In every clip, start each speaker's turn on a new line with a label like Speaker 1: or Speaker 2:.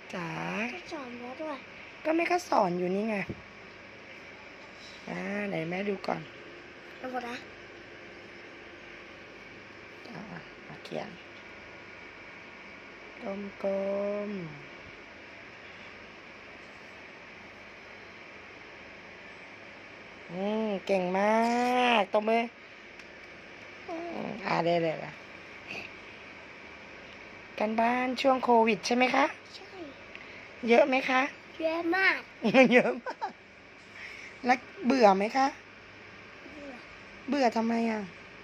Speaker 1: จ๋า
Speaker 2: ก็สอนแล้วด้วย
Speaker 1: ก็แม่ก็สอนอยู่นี่ไงไหนแม่ดูก่อน
Speaker 2: เอาหมดนะ
Speaker 1: เขียนกลมเก่งมากตบมือได้กันบ้านช่วงโควิดใช่ไหมคะ
Speaker 2: ใช่
Speaker 1: เยอะไหมคะ
Speaker 2: เยอะมาก
Speaker 1: เยอะมากแล้วเบื่อไหมคะเบื่อทำไมอ่ะ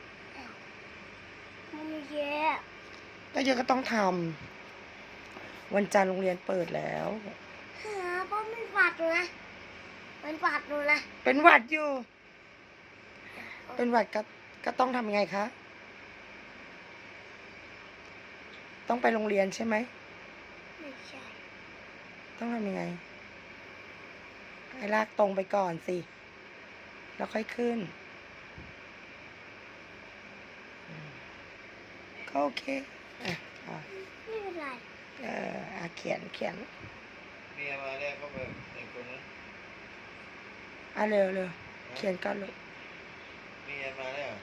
Speaker 2: มันเยอะ
Speaker 1: ก็เยอะก็ต้องทำวันจันทร์โรงเรียนเปิดแล้ว
Speaker 2: เพราะมันฝัดหนูนะมันฝัดหนูนะ
Speaker 1: เป็นหวัดอยู่เป็นหวัดก็ต้องทำยังไงคะต้องไปโรงเรียนใช่ไหม
Speaker 2: ไม่ใช่
Speaker 1: ต้องทำยังไงให้ลากตรงไปก่อนสิแล้วค่อยขึ้นก็โอเค
Speaker 2: ไม่เป็นไร
Speaker 1: เขียน
Speaker 3: เมียมาแล้วก็แบบไอ้คนนั้น
Speaker 1: เร็วเขียนก่อนลูก
Speaker 3: เมียมาแล้ว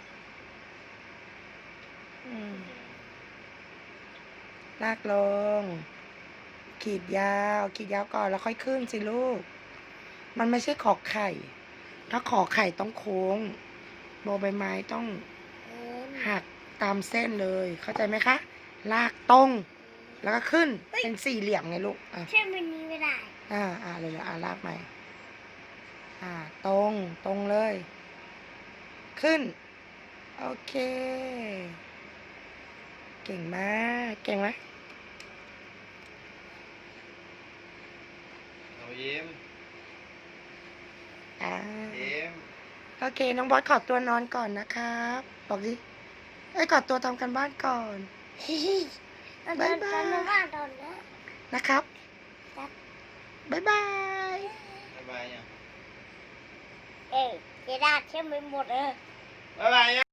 Speaker 1: ลากลงขีดยาวก่อนแล้วค่อยขึ้นสิลูกมันไม่ใช่ขอไข่ถ้าขอไข่ต้องโค้งโบใบไม้ต้องหักตามเส้นเลยเข้าใจไหมคะลากตรงแล้วก็ขึ้นเป็นสี่เหลี่ยมไงลูก
Speaker 2: ใช่มันนี้ไม่ได้
Speaker 1: เลยลากใหม่ตรงเลยขึ้นโอเคเก่งมากเก่งไหม
Speaker 3: เอายิ้มยิ้ม
Speaker 1: โอเคน้องบอสขอตัวนอนก่อนนะครับบอกดิขอตัวทำกันบ้านก่อน
Speaker 2: บ๊ายบายตอนนี้
Speaker 1: นะครับบ๊ายบาย
Speaker 3: บ๊ายบายยัง
Speaker 2: เจ๊ดาเชื่อไม่หมด
Speaker 3: บ๊ายบาย